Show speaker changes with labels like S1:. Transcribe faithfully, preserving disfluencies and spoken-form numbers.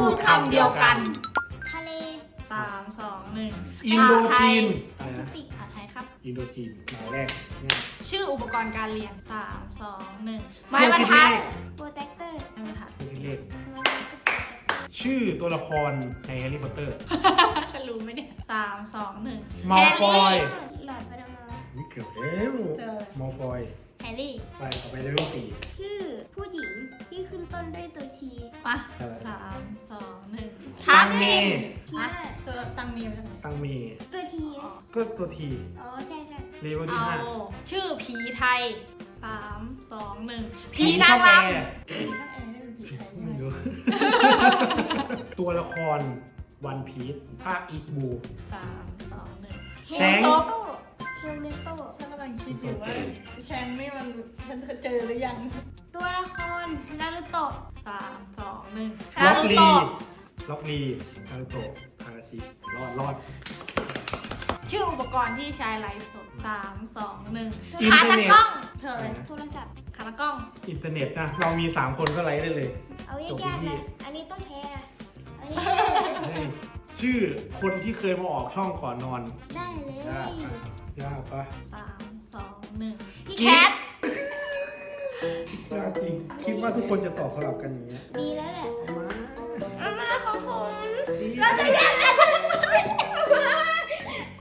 S1: พูดคำเดียวกัน
S2: ทะเล
S1: สามสองหนึ่ง
S3: อินโดจีนอะไร
S2: แป
S3: นะ
S2: ซิฟิก
S1: ผัดไทยครับ
S3: อินโดจีนหมายแรกง่าย
S1: ชื่ออุปกรณ์การเรียนสามสองหนึ่ง
S3: เค
S1: ไม้
S3: รื่อง
S1: บรร
S3: คิด
S1: ทั
S3: เล
S1: ด
S3: ข
S2: โปรเทคเตอร์
S1: ไม้บรรทัด
S3: เครื่องคิดเลขชื่อตัวละครในแฮร์รี่พอตเตอร์
S1: ฉันรู้ไหมเนี่ยสามสองหนึ่ง
S3: มัลฟอย
S2: หลอดประดมา
S3: นี่เกือบแล้วมอลฟอย
S1: แฮร์รี่
S3: ไปต่อไปเลเวลสี่
S2: ชื่อผู้หญิงที่ขึ้นต้นด้วยตัวที
S1: มาสามสองหนึ่ง
S3: ตังเม
S2: ที
S1: ฮะ
S2: น่า
S1: ตัวตังเมียมาจากไหน
S3: ตังเม
S2: ตัวที
S3: ก็ตัวที
S2: อ๋อใช่ใช่
S3: เลเวลที่
S1: เอา
S3: ห้า
S1: ชื่อผีไทยสามสองหนึ่ง
S3: ผี
S1: ผีนาง
S3: ช่อง
S1: ร
S3: แอร์
S1: ำผีช่างแอร์ไม่เป็นผีไทย
S3: ไม่รู้ ตัวละครวันพีซภาคอีสบู
S1: สามสองหนึ่ง
S3: แชง
S1: ซบ
S2: โต้เคียวเนโต้
S1: ฉันกำลังคิดอยู่ว่าแชงนี่มันฉันเคยเจอหรือยัง
S2: ตัวละครนารุโตะ
S1: สามสองหนึ่ง
S3: ล็อกลี
S1: นารูโตะ
S3: ล็อกลีนารุโตะคาราชิรอดรอด
S1: ชื่ออุปกรณ์ที่ใช้ไลฟ์สดสามสองหนึ่ง
S3: อิน
S1: ขา
S3: เทอร์
S1: ตะ
S3: เน็ต
S1: กล้องเธออะไร
S2: โทรศัพท์
S1: ขาตะกล้อง
S3: อินเทอร์เน็ตนะ เรามี สาม คนก็ไลฟ์ได้เลย
S2: เอา
S3: จบ
S2: ยากๆ
S3: ที่
S2: นะอันนี้ต้องแพ้นะอันนี้
S3: เฮ้ยชื่อคนที่เคยมาออกช่องก่อนนอน
S2: ได้เลย
S3: ยากปะยากปะ
S1: สามสองหนึ่งพี่
S3: กิ๊
S1: แค
S3: ก
S1: ท
S3: ยากจริง คิดว่าทุกคนจะตอบสลับกันอย่างเงี้ย
S2: ดีแ